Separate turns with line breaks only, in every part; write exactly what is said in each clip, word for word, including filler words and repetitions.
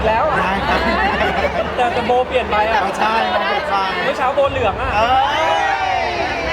อีกแล้วอะ
ได้ครับ
แต่แต่โบเปลี่ยนไปอ่ะ
ใช่ครับใช่
เมื่อเช้าโบเหลืองอ่ะ
เอ้ย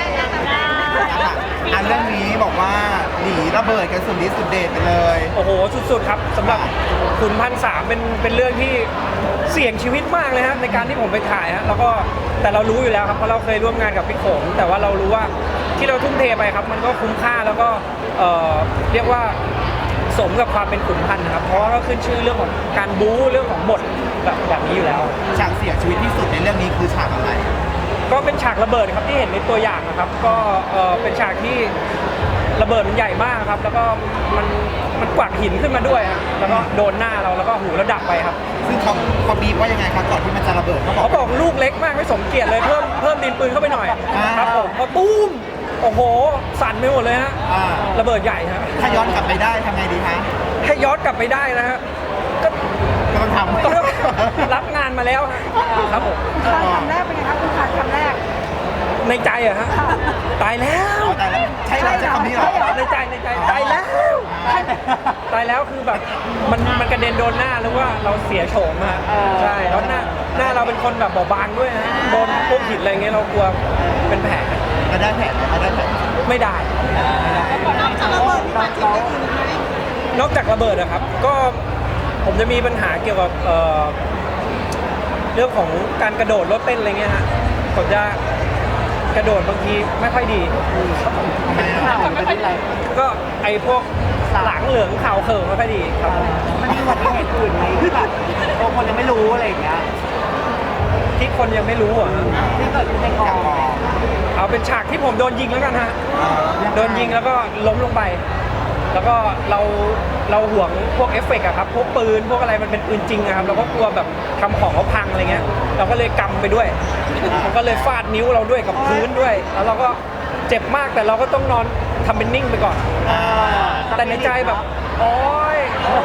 อันเรื่องนี้บอกว่าหนีระเบิดกันสุดฤทธิ์สุดเดชไปเลย
โอ้โหสุดๆครับสำหรับขุนพันสามเป็นเป็นเรื่องที่เสี่ยงชีวิตมากเลยฮะในการที่ผมไปถ่ายฮะแล้วก็แต่เรารู้อยู่แล้วครับเพราะเราเคยร่วมงานกับพี่โขงแต่ว่าเรารู้ว่าที่เราทุ่มเทไปครับมันก็คุ้มค่าแล้วก็เอ่อเรียกว่าสมกับความเป็นขุนพันนะครับเพราะว่าก็ขึ้นชื่อเรื่องของการบู๊เรื่องของบทแบบแบบนี้อยู่แล้ว
ฉากเสียชีวิตที่สุดในเรื่องนี้คือฉากอะไร
ก็เป็นฉากระเบิดครับที่เห็นในตัวอย่างนะครับก็เอ่อเป็นฉากที่ระเบิดมันใหญ่มากครับแล้วก็มันมันกวาดหินขึ้นมาด้วยครับแล้วก็โดนหน้าเราแล้วก็หูแล้วดับไปครับ
ซึ่งเขาเขาบีบว่ายังไงครับก่อนที่มันจะระเบิดเขาบอก
เขาบอกลูกเล็กมากไม่สมเกียรติเลยเพิ่มเพิ่มดินปืนเข้าไปหน่อย
อ่า
ครับผมพอตุ้มโอ้โหสั่นไปหมดเลยฮะ
อ่า
ระเบิดใหญ่ฮะ
ถ้าย้อนกลับไปได้ทำไงดีฮะ
ถ้าย้อนกลับไปได้นะฮะก็
ก็ต้องทำ
ก็รับงานมาแล้วฮะครับผม
คำแรกเป็นไงคะคุณขาดคำแรก
ในใจอะฮะตายแล้ว
เอาแต่ละใช่เหรอใช่คำนี้เหรอ
ในใจในใจตายแล้วตายแล้วคือแบบมันมันกระเด็นโดนหน้าหรือว่าเราเสียโฉมฮะใช่แล้วหน้าหน้าเราเป็นคนแบบเบาบางด้วยฮะโดนพวกหินอะไรเงี้ยเรากลัวเป็นแผล
มาได้แผนไหมมาได้แผน
ไม่ได้
นอกจากระเบิดที่มันทิ้งได้อีกไหม
นอกจากระเบิดนะครับ ก็ผมจะมีปัญหาเกี่ยวกับเอ่อเรื่องของการกระโดดรถเต้นอะไรเงี้ยฮะผมจะกระโดดบางทีไม่ค่อยดีครับผม
ข่าวไม่เป็นไร
ก็ไอ้พวกหลังเหลืองขาวเขิงไม่ค่อยดีครับผม
มันมีอุบัติเหตุอื่นไหมที่แบบบางคนยังไม่รู้อะไรอย่างเงี้ย
ที่คนยังไม่รู้อ่ะ
ที่เกิดขึ้นในกอง
เอาเป็นฉากที่ผมโดนยิงแล้วกันฮะโดนยิงแล้วก็ล้มลงไป แล้วก็เราเราห่วงพวกเอฟเฟกต์อะครับพวกปืนพวกอะไรมันเป็นปืนจริงอะครับเราก็กลัวแบบทำของเขาพังอะไรเงี้ยเราก็เลยกำไปด้วยมันก็เลยฟาดนิ้วเราด้วยกับพื้นด้วย แล้วเราก็เจ็บมากแต่เราก็ต้องนอนทำเป็นนิ่งไปก่อน แต่ในใจแบบโอ๊ย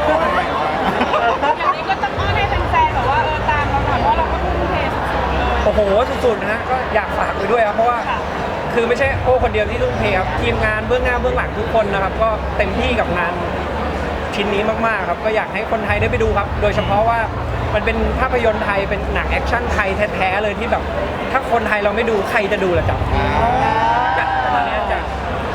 อย่างนี้ก็ต้องอ้อนให้แฟนๆแบบว่าเออตามเราหน่อยเพราะเราก็ทุ่มเทสุดๆเลย
โอ้โหสุดๆนะฮะก็อยากฝากไปด้วยครับเพราะว่าคือไม่ใช่โอ้คนเดียวที่ทุ่มเทครับทีมงานเบื้องหน้าเบื้องหลังทุกคนนะครับก็เต็มที่กับงานชิ้นนี้มากๆครับก็อยากให้คนไทยได้ไปดูครับ โดยเฉพาะว่ามันเป็นภาพยนตร์ไทยเป็นหนังแอคชั่นไทยแท้ๆเลยที่แบบถ้าคนไทยเราไม่ดูใครจะดูล่ะจ๊ะจ้ะประมาณนี้จ้ะ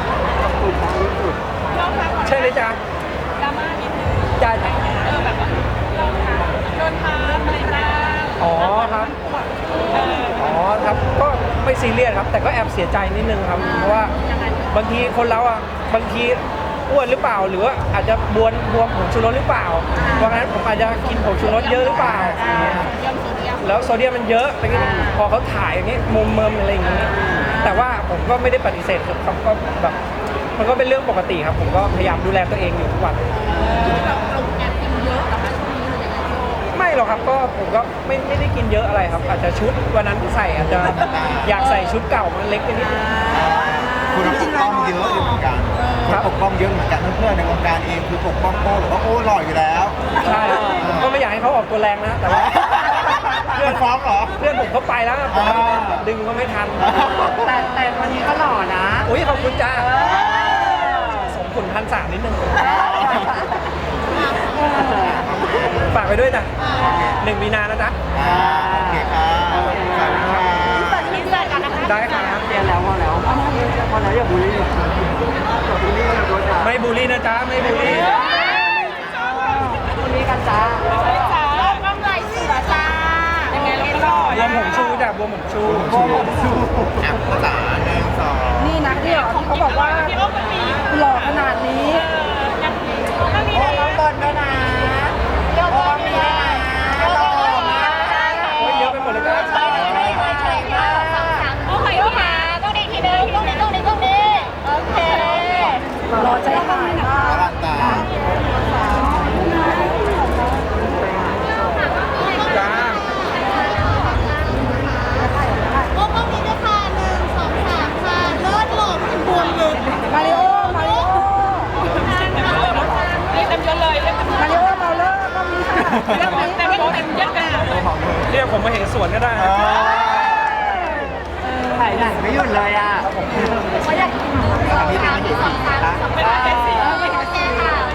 เราพักก่อน
ใช่เลยจ้ะ
ดราม่านิดนึง
จ้ะจ้ะ
เออแบบว่าเราค่ะโดนท้าอะไรบ้าง
อ๋อครับ
เออ
อ๋อครับก็ไม่ซีเรียสครับ แต่ก็แอบเสียใจนิดนึงครับเพราะว่าบางทีคนเราอ่ะบางทีอ้วนหรือเปล่า หรือว่าอาจจะบวนบวมผงชูรสหรือเปล่าเพราะงั้นผมอาจจะกินผงชูรสเยอะหรือเปล่า
ยอมโซเดียม
แล้วโซเดียมมันเยอะอะไรเงี้ยพอเขาถ่ายอย่างนี้มุมเมิมอะไรอย่างนี้ แต่ว่าผมก็ไม่ได้ปฏิเสธครับก็แบบมันก็เป็นเรื่องปกติครับ ผมก็พยายามดูแลตัวเองอยู่ทุกวัน
แบบเราแอบกินเยอะแต่ว่าช่วงนี้หรือยังไงโชค
ไม่หรอกครับก็ผมก็ไม่ไม่ได้กินเยอะอะไรครับ อาจจะชุดวันนั้นที่ใส่อาจจะอยากใส่ชุดเก่ามันเล็กไปนิดนึง
คุณปกป้องเยอะอยู่เหมือนกันคุณปกป้องเยอะเหมือนกันเพื่อนๆในวงการเองคือปกป้องโอ้หรือว่าโอ้หล่ออยู่แล้ว
ใช่ผมก็ไม่อยากให้เขาออกตัวแรงนะแต่ว่า
เพื่อนฟ้องเหรอ
เพื่อนผมเขาไปแล้วนะผมดึงก็ไม่ทัน
แต่แต่วันนี้ก็หล่อนะ
อุ้ยขอบคุณจ้าสมขุนพันสามนิดนึงฝากไปด้วยจ้ะหนึ่งมีนานะจ๊ะ
อ่าโอเคครับขอบคุณครับ
มีเสิร์ตกันนะคะ
ได้ครับ
เรียนแล้วพอแล้วพอแล้วอย่าบูลลี่อย่าบูลลี่อย่าโดนด่า
ไม่บูลลี่นะจ๊ะไม่บูลลี่
บูลลี่กันจ้า
จ๋าน้ำลายเสือจ้ายังไงเราก็รอด
บวมผมชูจ้ะบวมผมชู
ชูชูอ่ะภาษาหนึ่งสอง
นี่นะที่เหรอที่เขาบอกว่า
พี่โอ้ก็มี
หล่อขนาดนี้
เออยังมีก็มี
โอ้
นะ
น้องบอลด้วยนะโอ้มีด้วยนะหล่อมาก
โอ้ยเยอะไปหมดเลยจ้ะ
โอเคโอเคต้องดีทีนึงต้องดีต้องดีต้องดีโอเค
หล่อใจหายมาก
อลังตา
จ้า
โอ้ก็มีด้วยค่ะหนึ่งสองสามค่ะเลิศหล่อเป็นบวมเลย
มาริโอมาริโอ
เรียกเต็มยศเลยเรียกเต็มยศ
มาริโอเมาเลอร์ก็มีค่ะ
เรียกเต็มยศเต็มยศกันเลย
เรียกผมมาเห็นสวนก็ได้นะ
ถ่ายหนังไม่หยุดเลยอ่ะ
เขาอยากกินสองสามสองสามสองเป็นเจ็ดสี่โอเคค่ะ